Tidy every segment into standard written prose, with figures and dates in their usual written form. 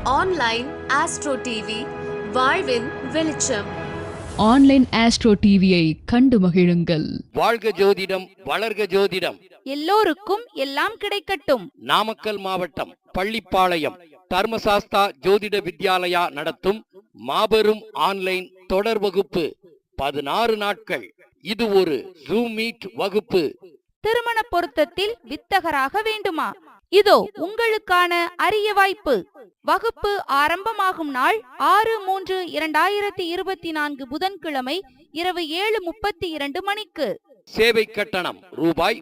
Online astro TV வாழ்வின் வெளிச்சம். Online astro டிவியை கண்டு மகிழுங்கள். வாழ்க ஜோதிடம், வளர்க ஜோதிடம். எல்லோருக்கும் எல்லாம் கிடைக்கட்டும். நாமக்கல் மாவட்டம் பள்ளிப்பாளையம் தர்மசாஸ்தா ஜோதிட வித்யாலயா நடத்தும் மாபெரும் ஆன்லைன் தொடர் வகுப்பு 16 நாட்கள். இது ஒரு ஜூம் மீட் வகுப்பு. திருமண பொருத்தத்தில் வித்தகராக வேண்டுமா? இதோ உங்களுக்கான அரிய வாய்ப்பு. வகுப்பு ஆரம்பமாகும் நாள் 6/3/2024 புதன்கிழமை இரவு 7:32 மணிக்கு. சேவை கட்டணம் ரூபாய்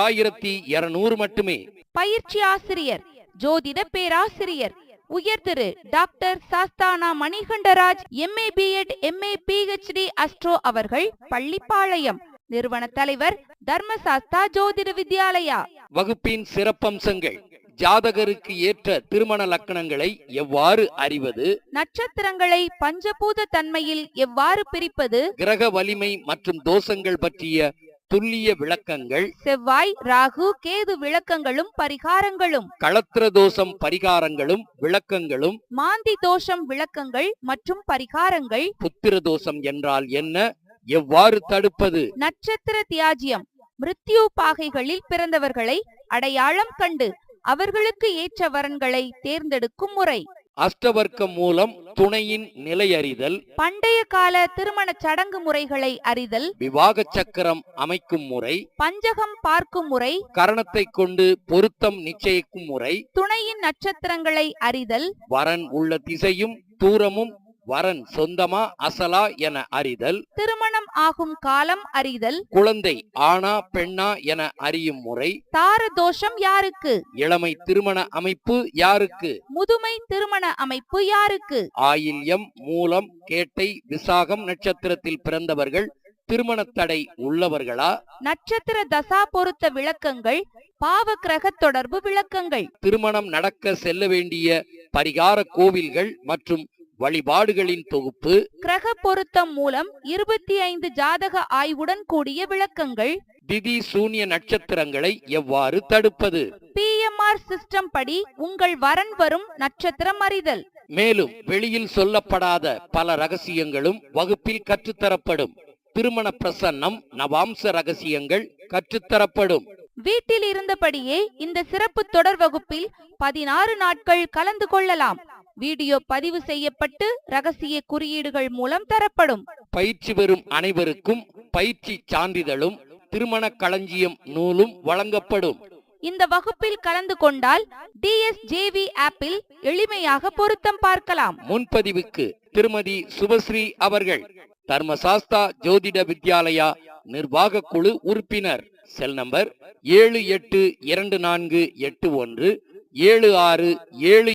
3200 மட்டுமே. பயிற்சி ஆசிரியர் ஜோதிட பேராசிரியர் உயர் திரு டாக்டர் சாஸ்தானா Manikandaraj MA B.Ed MA PhD astro அவர்கள், பள்ளிப்பாளையம். நிறுவன தலைவர் தர்மசாஸ்தா ஜோதிட வித்யாலயா. வகுப்பின் சிறப்பம்சங்கள்: ஜாதகருக்கு ஏற்ற திருமண லக்கணங்களை எவ்வாறு அறிவது, நட்சத்திரங்களை பஞ்சபூத தன்மையில் எவ்வாறு பிரிப்பது, கிரக வலிமை மற்றும் தோஷங்கள் பற்றிய துல்லிய விளக்கங்கள், செவ்வாய் ராகு கேது விளக்கங்களும் பரிகாரங்களும், களத்திர தோஷம் பரிகாரங்களும் விளக்கங்களும், மாந்தி தோஷம் விளக்கங்கள் மற்றும் பரிகாரங்கள், புத்திர தோஷம் என்றால் என்ன, எவ்வாறு தடுப்பது, நட்சத்திர தியாஜ்யம் மிருத்யு பாகைகளில் பிறந்தவர்களை அடையாளம் கண்டு அவர்களுக்கு ஏற்ற வரன்களை தேர்ந்தெடுக்கும் முறை, அஷ்டவர்க்கம் மூலம் துணையின் நிலை அறிதல், பண்டைய கால திருமண சடங்கு முறைகளை அறிதல், விவாக சக்கரம் அமைக்கும் முறை, பஞ்சகம் பார்க்கும் முறை, கரணத்தை கொண்டு பொருத்தம் நிச்சயிக்கும் முறை, துணையின் நட்சத்திரங்களை அறிதல், வரன் உள்ள திசையும் தூரமும், வரன் சொந்தமா அசலா என அறிதல், திருமணம் ஆகும் காலம் அறிதல், குழந்தை ஆணா பெண்ணா என அறியும் முறை, தார தோஷம் யாருக்கு, இளமை திருமண அமைப்பு யாருக்கு, முதுமை திருமண அமைப்பு யாருக்கு, ஆயில்யம் மூலம் கேட்டை விசாகம் நட்சத்திரத்தில் பிறந்தவர்கள் திருமண தடை உள்ளவர்களா, நட்சத்திர தசா பொருத்த விளக்கங்கள், பாவ கிரக தொடர்பு விளக்கங்கள், திருமணம் நடக்க செல்ல வேண்டிய பரிகார கோவில்கள் மற்றும் வழிபாடுகளின் தொகுப்பு, கிரக பொருத்தம் மூலம் 25 ஜாதக ஆய்வுடன் கூடிய விளக்கங்கள், திதி சூன்ய நட்சத்திரங்களை எவ்வாறு தடுப்பது, PMR சிஸ்டம் படி உங்கள் வரன் வரும் நட்சத்திரம் அறிதல். மேலும் வெளியில் சொல்லப்படாத பல ரகசியங்களும் வகுப்பில் கற்றுத்தரப்படும். திருமண பிரசன்னம், நவாம்ச ரகசியங்கள் கற்றுத்தரப்படும். வீட்டில் இருந்தபடியே இந்த சிறப்பு தொடர் வகுப்பில் 16 நாட்கள் கலந்து கொள்ளலாம். வீடியோ பதிவு செய்யப்பட்டு ரகசிய குறியீடுகள் மூலம் தரப்படும். பயிற்சி பெறும் அனைவருக்கும் பயிற்சி சான்றிதழும் திருமண களஞ்சியம் நூலும் வழங்கப்படும். இந்த வகுப்பில் கலந்து கொண்டால் DSJV ஆப்பில் எளிமையாக பொருத்தம் பார்க்கலாம். முன்பதிவுக்கு திருமதி சுபஸ்ரீ அவர்கள், தர்மசாஸ்தா ஜோதிட வித்யாலயா நிர்வாக குழு உறுப்பினர். Cell number 7824817677.